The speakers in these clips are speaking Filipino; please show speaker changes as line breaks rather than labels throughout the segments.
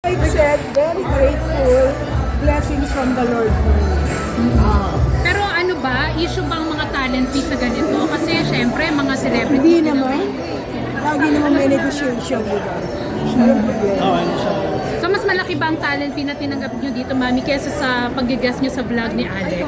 I said, very grateful, blessings from the Lord.
Pero ano ba, issue bang mga talent fee sa ganito? Kasi syempre, mga celebrity.
Hindi naman. Lagi naman may negotiation, di ba? Walang problema.
So mas malaki ba ang talent fee na tinanggap nyo dito, Mami, kesa sa pag-guest nyo sa vlog ni Alex?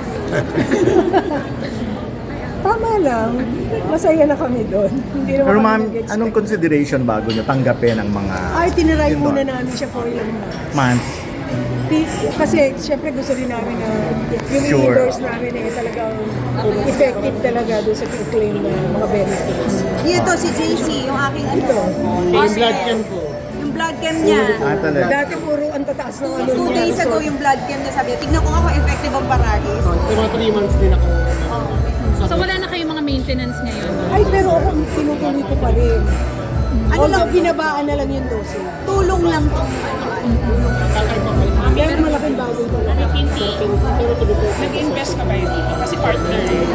Tama lang. Masaya na kami doon. Hindi naman
Pero
kami
ma'am,
nag-expect.
anong consideration bago nyo tanggapin ang mga
Ay, tiniray
ito,
muna namin siya for ilang months.
months?
Kasi syempre gusto rin namin na yung
Sure.
endorse namin talagang effective talaga doon sa claim na mga benefits.
Ito si JC, yung aking
Ito.
yung blood cam ko. Yung blood cam niya.
Ah, talaga.
Dati puro ang tataas ng ano
2
niya.
days ago yung blood cam niya, sabi, tignan ko nga kung effective ang paragis.
Mga 3 months din ako.
So wala na kayong mga maintenance ngayon?
Ay, pero ako tinutuloy ko pa rin.
Ano
Although
lang,
binabaan na lang yung dose.
tulong lang tong
Kaya malaking bagay ko lang.
Nag-invest ka ba dito? Kasi partner eh.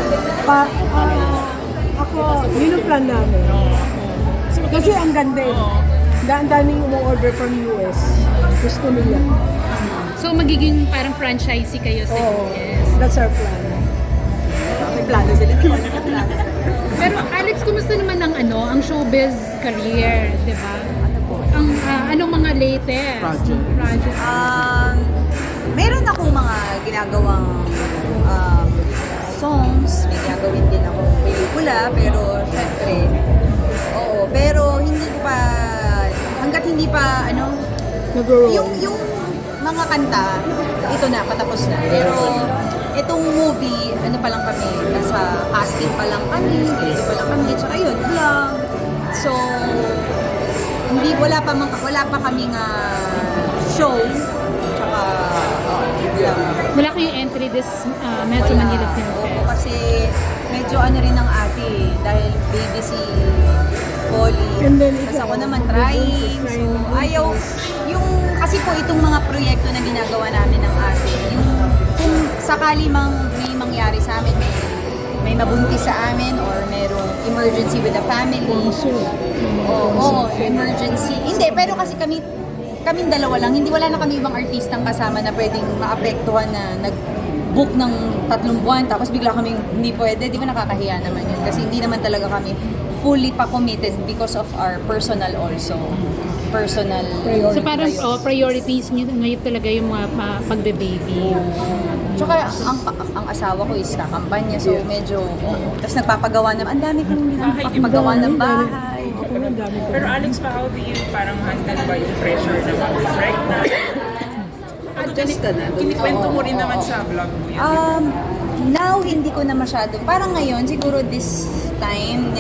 Ako, yun ang plan namin. Kasi ang ganda eh. Ang daming umu-order from US. Gusto nila.
So magiging parang franchisee kayo sa
Oo.
US?
That's our plan.
may plano sila. May plano.
Pero Alex, kumusta naman ang showbiz career, di ba? Ang anong mga latest project?
Meron akong mga ginagawang songs, may gagawin din akong pelikula, pero syempre, oo, pero hindi ko pa, hanggat hindi pa,
Nag-roll.
yung mga kanta, ito na, patapos na. Pero itong movie, pa lang kami, nasa casting pa lang kami, dito pa lang kami, tsaka yun, vlog. So, wala pa kaming show, tsaka vlog.
Wala kayong entry this Metro
Wala.
Manila Film
Oo,
Fest?
kasi medyo rin ng ate dahil baby si Polly.
And then
Tapos
ikaw,
ako naman trying. So
trying.
ayaw, kasi po itong mga proyekto na ginagawa namin ng ate, yung kung sakali may mangyari sa amin, may mabuntis sa amin or merong emergency with the family. Oo, emergency. Hindi, pero kasi kaming dalawa lang, wala na kami ibang artistang kasama na pwedeng maapektuhan na nag-book ng 3 buwan tapos bigla kaming hindi pwede, di ba nakakahiya naman yun kasi hindi naman talaga kami fully pa committed because of our personal also. Personal
So parang priorities nyo ngayon talaga yung mga pagbe-baby.
Tsaka ang asawa ko is kakampanya so medyo tapos nagpapagawa ng ang dami kong ginagawa ng bahay.
Ako na, dami ko.
Pero Alex, how do you parang handle ba yung pressure na mag-pregnant?
Adjust ka na.
Kinikwento mo rin naman sa vlog mo yan.
Now, hindi ko na masyado. Parang ngayon, siguro this time,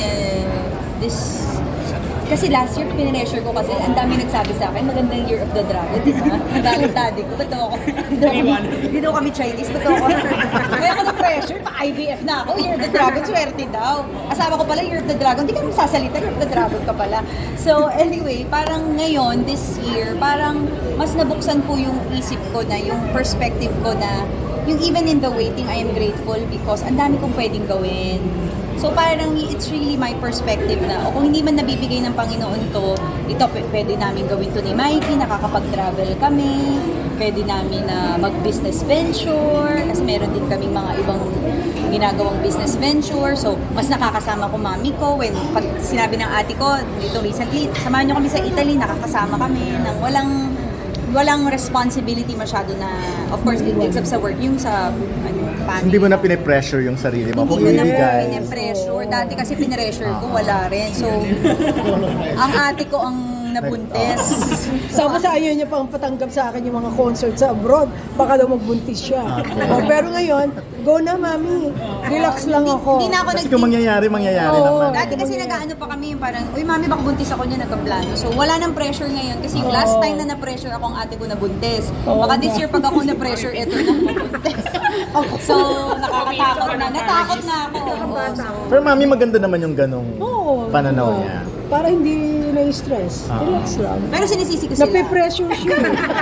kasi last year, pinressure ko kasi ang dami nagsabi sa akin, magandang Year of the Dragon, di ba? Nagalit daddy ko, ba't daw ako? Di daw kami Chinese, ba't daw ako? Kaya ako na-pressure, pa-IVF na ako, Year of the Dragon, swerte daw. Asawa ko pala, Year of the Dragon, di ka naman sasalita, Year of the Dragon ka pala. So anyway, parang ngayon, this year, parang mas nabuksan po yung isip ko na, yung perspective ko na, yung even in the waiting, I am grateful because ang dami kong pwedeng gawin. So parang it's really my perspective na o kung hindi man nabibigay ng Panginoon to, ito pwede namin gawin to ni Mikey, nakakapag-travel kami, pwede namin na mag-business venture, kasi meron din kaming mga ibang ginagawang business venture. So mas nakakasama ko mami ko when pag sinabi ng ate ko dito recently, samahan niyo kami sa Italy, nakakasama kami ng walang responsibility masyado na, of course, except sa work, yung sa family.
Hindi mo na pine-pressure yung sarili mo kung
Hindi ko na
ibigay.
pine-pressure. Dati kasi pine-pressure ko, wala rin. So, ang ate ko ang nabuntis.
Tapos ayaw niya pang patanggap sa akin yung mga concert sa abroad. Baka daw magbuntis siya. Pero ngayon, go na mami. Relax lang ako.
Hindi na ako
Kasi kung mangyayari naman.
Dati kasi nag-ano pa kami, parang, uy mami, baka buntis ako niya, nagkaplano. So, wala nang pressure ngayon. Kasi yung last time na na-pressure ako, ang ate ko nabuntis. Baka this year, pag ako na-pressure, eto na mabuntis. So, nakakatakot na. Natakot na ako. Oo, so,
Pero mami, maganda naman yung ganong
Oo.
pananaw
Oo.
niya.
Para hindi na-stress. Relax lang.
pero sinisisi ko sila.
Nape-pressure siya.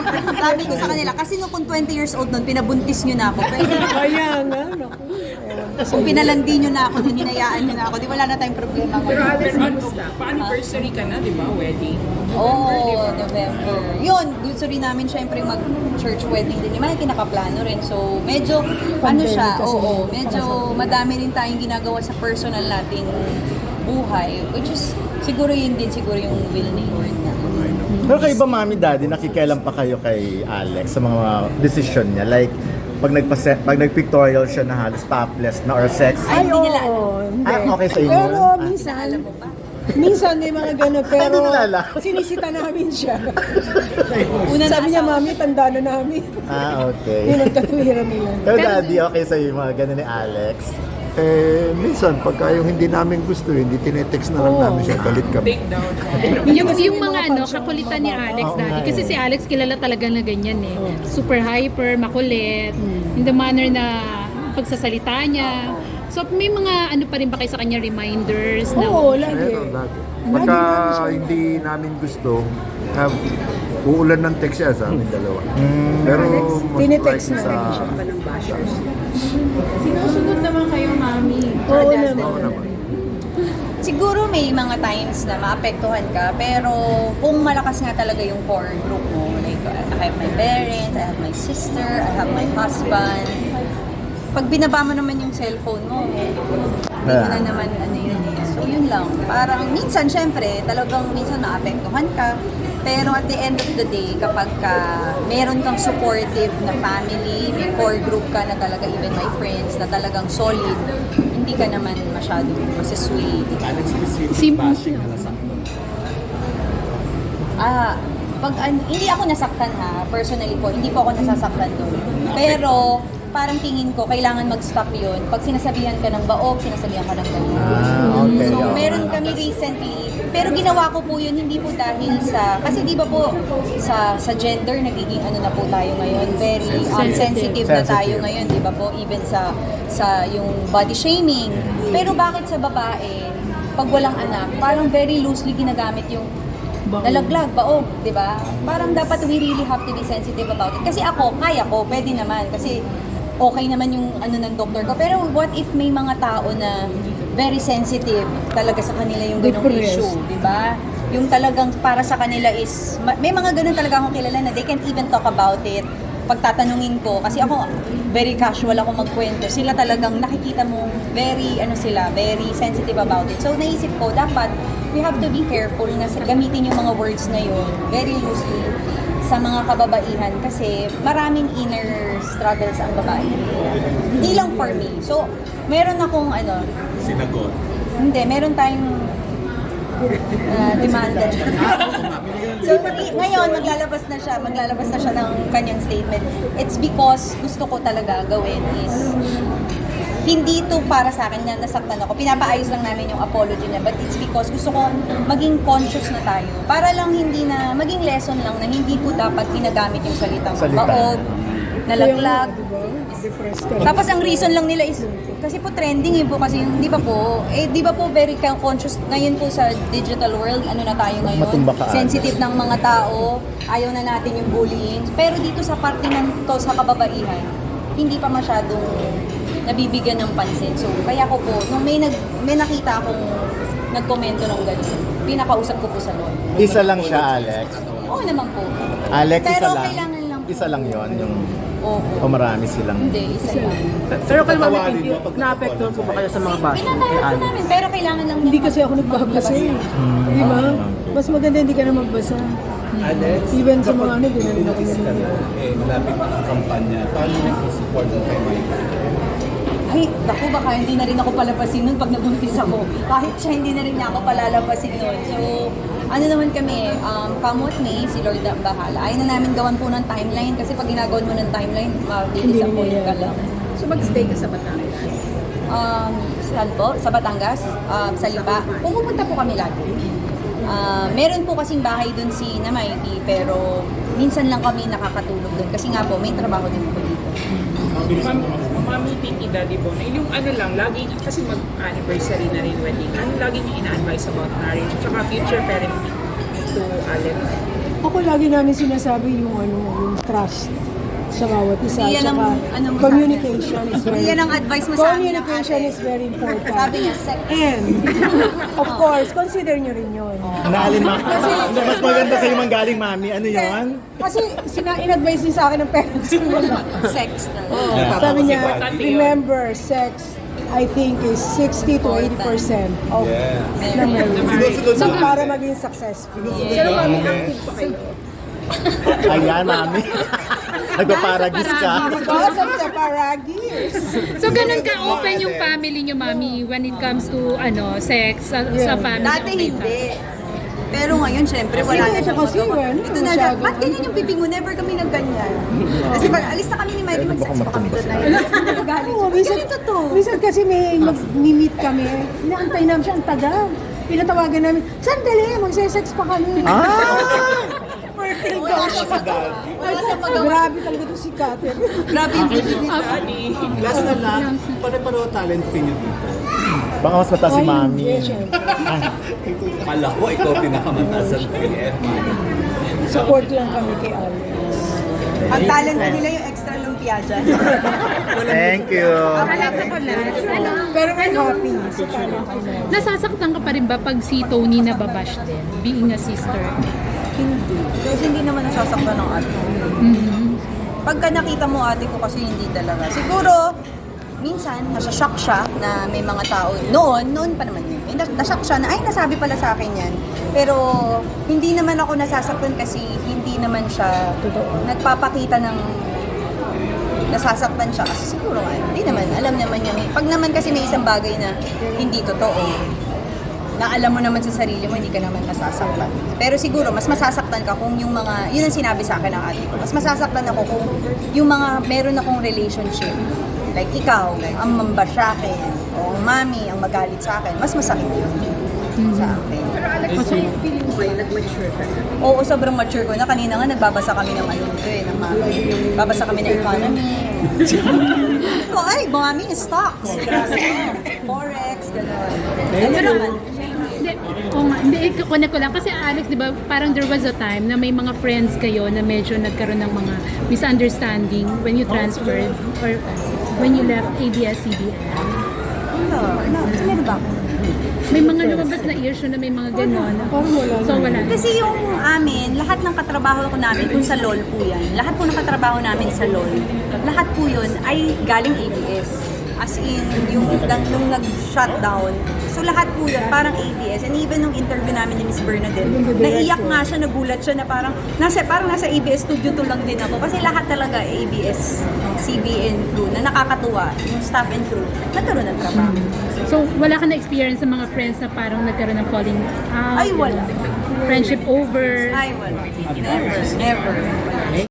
Sabi ko sa kanila, kasi nung kung 20 years old nun, pinabuntis nyo na ako. Pero,
Kaya nga, naku.
Kung pinalandi nyo na ako, nung hinayaan nyo na ako, di wala na tayong problema
Pero
ngayon.
Alex, pa-anniversary ka na, di ba? Wedding.
Oo, November. Yun, gusto rin namin syempre mag-church wedding din. Yung mga kinakaplano rin. So, medyo, ano siya,
kasi.
oo, medyo madami rin tayong ginagawa sa personal nating buhay. Which is, siguro yun din, siguro yung will ni Lord na.
Pero kayo ba, mami, daddy, nakikialam pa kayo kay Alex sa mga decision niya? Like, pag nag-pictorial siya na halos topless na or sex.
Ay, hindi nila alam.
hindi.
Okay sa inyo?
Pero
Ah.
minsan,
Alam mo ba?
minsan may mga gano'n, pero
Hindi nila alam.
sinisita namin siya.
Una na
Sabi niya,
asawa.
mami, tanda na namin.
Okay.
Yung nagkatuwiran nila.
Pero daddy, okay sa yung mga ganun ni Alex?
Minsan, pagka yung hindi namin gusto, hindi tinetext na lang namin siya, galit kami.
Take down.
Yung mga kakulitan ni Alex
Oo
dati.
nga
Kasi
eh.
si Alex kilala talaga na ganyan eh. Super hyper, makulit, in the manner na pagsasalita niya. So may mga ano pa rin ba kayo sa kanya reminders na
Oo, lagi.
Meron lagi. Pagka hindi namin gusto, uulan ng text siya sa amin dalawa. Pero most
tinetext
likely
na
sa...
sinusunod naman kayo, mami.
Oo
Oo
naman.
naman.
Siguro may mga times na maapektuhan ka, pero kung malakas nga talaga yung core group mo, like I have my parents, I have my sister, I have my husband. Pag binaba mo naman yung cellphone mo, hindi mo na naman ano yun eh. So yun lang. Parang minsan, syempre, talagang minsan maapektuhan ka. Pero at the end of the day, kapag meron kang supportive na family, may core group ka na talaga, even my friends, na talagang solid, hindi ka naman masyadong masisway. Hindi ako nasaktan ha, personally po, hindi po ako nasasaktan doon. Pero, parang tingin ko, kailangan mag-stop yun. Pag sinasabihan ka ng baog, sinasabihan ka ng ganun.
Okay.
So, meron kami recently, pero ginawa ko po yun, hindi po dahil sa, kasi di ba po, sa gender, nagiging ano na po tayo ngayon, very sensitive na tayo
Sensitive.
ngayon, di ba po, even sa yung body shaming. Pero bakit sa babae, pag walang anak, parang very loosely ginagamit yung nalaglag, baog, di ba? Parang dapat we really have to be sensitive about it. Kasi ako, kaya ko, pwede naman, kasi okay naman yung ano ng doktor ko. Pero what if may mga tao na very sensitive talaga sa kanila yung ganong
Depressed.
issue, di ba? Yung talagang para sa kanila is, may mga ganun talaga akong kilala na they can't even talk about it. Pagtatanungin ko, kasi ako, very casual ako magkwento. Sila talagang nakikita mo, very sensitive about it. So naisip ko, dapat we have to be careful na gamitin yung mga words na yun very loosely sa mga kababaihan kasi maraming inner struggles ang babae. Hindi lang for me. So, meron akong
Sinagot.
hindi, meron tayong demanda. So, ngayon, maglalabas na siya ng kanyang statement. It's because gusto ko talaga gawin is hindi to para sa akin na nasaktan ako. Pinapaayos lang namin yung apology niya. But it's because gusto ko maging conscious na tayo. Para lang hindi na, maging lesson lang na hindi po dapat ginagamit yung salitang baog, nalaglag.
Depressed ka.
Tapos ang reason lang nila is, kasi po trending po kasi, di ba po very conscious ngayon po sa digital world, ano na tayo ngayon,
Matumba ka,
sensitive ng mga tao, ayaw na natin yung bullying. Pero dito sa parte ng to sa kababaihan, hindi pa masyadong nabibigyan ng pansin. So, kaya ko po, nung may nakita akong nagkomento ng gano'n, pinakausap ko po sa Lord.
Isa lang siya, Alex.
Oo naman po.
Alex,
Pero
isa lang.
kailangan lang po.
Isa lang yon yung
Oo.
o marami silang.
Hindi, isa lang.
Pero kayo mami, na-apektuhan po ba kayo sa mga bash kay
Pinatawag po
Alex?
namin, pero kailangan lang
Hindi kasi ako nagbabasa eh. Di ba? Mas maganda hindi ka na magbasa.
Alex,
Even sa mga ano, di na rin ako
ka na,
nanonood.
malapit ang kampanya. Paano mo support mo kay Michael?
Ay, naku, baka hindi na rin ako palapasin nun pag nabuntis ako. Kahit siya, hindi na rin niya ako palalapasin nun. So, ano naman kami, come with me, si Lord ang bahala. Ayaw na namin gawan po ng timeline kasi pag ginagawan mo ng timeline, ma-disappoint ka lang.
So mag-stay ka sa Batangas?
Saan po? Sa Batangas? Sa Lipa? Pumupunta po kami lagi. Meron po kasing bahay dun si Namaiti, pero minsan lang kami nakakatulog dun. Kasi nga po, may trabaho din po dito.
Mami, Titi, Daddy Bon, yung ano lang, lagi, kasi mag-anniversary na rin wedding, ano lagi niyo ina-advise about marriage, tsaka future parenting to Alex?
Ako lagi namin sinasabi yung yung trust sa bawat isa.
Yan ang,
Tsaka
ano mo
communication is very
Yan ang advice mo sa amin.
Communication
ate.
is very important.
Sabi niya, sex.
And, of course, consider nyo rin yun.
Naalin ma. Mas maganda sa'yo manggaling, mami. Ano yon?
Kasi in-advise din sa akin ng parents ko.
Sex.
Sabi niya, remember, sex, I think, is 60 to 80% of the marriage. So, para maging successful.
Pero mami, active pa kayo.
Ayan, mami. Nagpaparagis ka.
Because of the paragis.
So ganun ka-open yung family niyo, mami, when it comes to sex sa family.
Dati hindi. Pero ngayon, syempre, wala na siyang
kasi,
magawa.
ano,
Ito na siya, ba't ganyan yung bibig mo? Never kami nagganyan. Kasi pag alis na kami ni Miley, mag-sex pa kami doon. Nagagalit
Oo,
siya. Ganito to.
minsan kasi may mag-meet kami, inaantay namin siya ang tagal. Pinatawagan namin, sandali, magse-sex pa kami. Fertile daw siya.
Wala siyang magawa.
Grabe talaga to si Catherine.
Grabe yung bibig ni
Last na last, pare-pareho talent fee niyo dito.
Baka mas mataas si mami.
Kala ko ikaw pinakamataas sa PF.
Support lang kami kay Alex.
Ang talent na nila yung extra lumpia dyan.
Thank you.
Pero may happy si Catherine.
Nasasaktan ka pa rin ba pag si Tony nababash din, being a sister?
Hindi. Kasi hindi naman nasasaktan ng ate ko. Pagka nakita mo ate ko kasi hindi talaga. Siguro, minsan, nasa-shock siya na may mga tao. Noon pa naman yun. Nashock siya na, ay, nasabi pala sa akin yan. Pero, hindi naman ako nasasaktan kasi hindi naman siya nagpapakita ng nasasaktan siya. Kasi siguro nga, hindi naman. Alam naman niya. Pag naman kasi may isang bagay na hindi totoo, na alam mo naman sa sarili mo, hindi ka naman masasaktan. Pero siguro, mas masasaktan ka kung yung mga, yun ang sinabi sa akin ng ate ko, mas masasaktan ako kung yung mga meron akong relationship. Like ikaw, ang mambash sa akin, o ang mami, ang magalit sa akin, mas masakit yun sa akin.
Pero Alex, feeling mo kayo, nag-mature ka na?
Oo, sobrang mature ko na. Kanina nga, nagbabasa kami ng ng mami. Babasa kami ng economy. Ay, mami, stocks. Forex, gano'n. Ano naman?
Hindi, connect ko lang. Kasi Alex, di ba, parang there was a time na may mga friends kayo na medyo nagkaroon ng mga misunderstanding when you transferred or when you left ABS-CBN.
Sino ba ako?
May mga lumabas na issue na may mga gano'n. So, wala.
Kasi yung amin, lahat ng katrabaho ko namin, kung sa LOL po yan, lahat po ng katrabaho namin sa LOL, lahat po yun ay galing ABS. As in, yung nag-shutdown. So lahat po yun, parang ABS. And even nung interview namin ni Miss Bernadette, naiyak nga siya, nagulat siya na parang nasa ABS studio to lang din ako. Kasi lahat talaga ABS, CBN crew, na nakakatuwa, yung staff and crew, nagkaroon ng trabaho.
So, wala ka na experience sa mga friends na parang nagkaroon ng falling out?
Ay, wala.
Friendship over?
Ay, wala. Never.